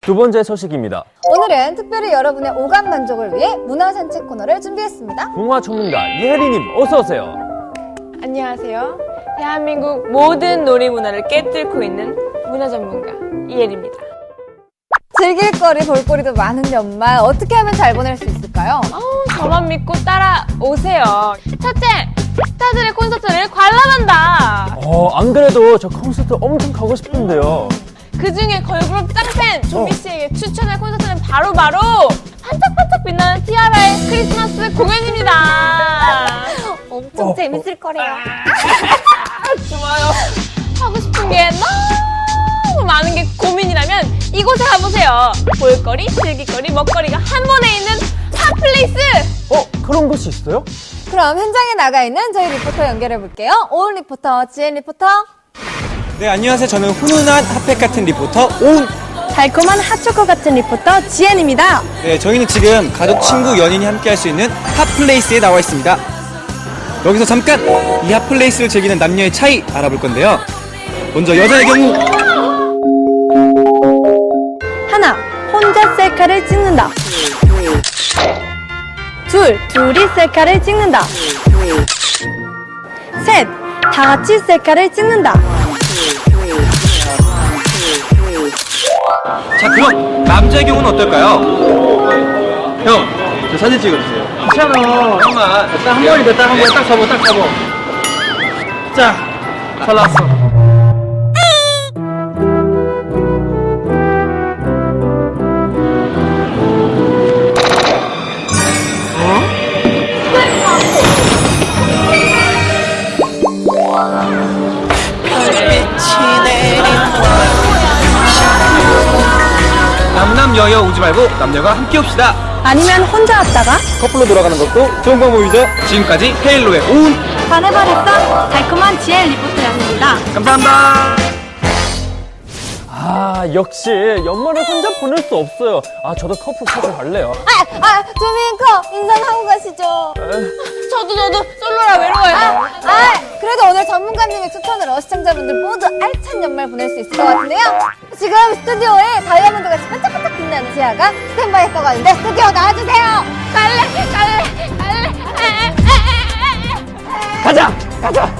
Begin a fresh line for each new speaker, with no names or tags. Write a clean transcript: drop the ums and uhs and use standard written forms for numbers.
두 번째 소식입니다.
오늘은 특별히 여러분의 오감 만족을 위해 문화산책 코너를 준비했습니다.
문화 전문가 이혜리님 어서 오세요.
안녕하세요. 대한민국 모든 놀이문화를 깨뚫고 있는 문화 전문가 이혜리입니다.
즐길 거리, 볼거리도 많은 연말 어떻게 하면 잘 보낼 수 있을까요?
저만 믿고 따라오세요. 첫째, 스타들의 콘서트를 관람한다.
안 그래도 저 콘서트 엄청 가고 싶은데요.
그중에 걸그룹 짱팬 조미 씨에게 추천할 콘서트는 바로바로 반짝반짝 빛나는 티아라의 크리스마스 공연입니다.
엄청 재밌을 거래요.
좋아요. 하고 싶은 게 너무 많은 게 고민이라면 이곳에 가보세요. 볼거리, 즐길거리, 먹거리가 한 번에 있는 핫플레이스!
그런 곳이 있어요?
그럼 현장에 나가 있는 저희 리포터 연결해 볼게요. 오은 리포터, 지엔 리포터.
네, 안녕하세요. 저는 훈훈한 핫팩 같은 리포터 오은.
달콤한 핫초코 같은 리포터 지엔입니다.
네, 저희는 지금 가족, 친구, 연인이 함께 할 수 있는 핫플레이스에 나와 있습니다. 여기서 잠깐 이 핫플레이스를 즐기는 남녀의 차이 알아볼 건데요. 먼저 여자의 경우
하나, 혼자 셀카를 찍는다. 둘, 둘이 셀카를 찍는다. 셋, 다 같이 셀카를 찍는다.
자, 그럼 남자의 경우는 어떨까요? 형, 저 사진 찍어주세요.
괜찮아.
형만
딱 한 번이다. 딱 한 번. 딱 잡아. 딱 잡아. 자, 잘 나왔어.
남남여여 오지 말고 남녀가 함께 옵시다.
아니면 혼자 왔다가
커플로 돌아가는 것도 좋은 방법이죠. 지금까지 헤일로의 오은.
반해버렸어. 달콤한 지엔 리포터였습니다.
감사합니다.
역시 연말을 혼자 보낼 수 없어요. 저도 커플 찾아갈래요.
조민커 인사하고 가시죠.
저도 솔로라 외로워요.
그래도 오늘 전문가님의 추천으로 시청자분들 모두 알찬 연말 보낼 수 있을 것 같은데요. 지금 스튜디오에 다이아몬드같이 반짝반짝 빛나는 지아가 스탠바이 했다고 하는데 스튜디오 나와주세요.
갈래.
가자.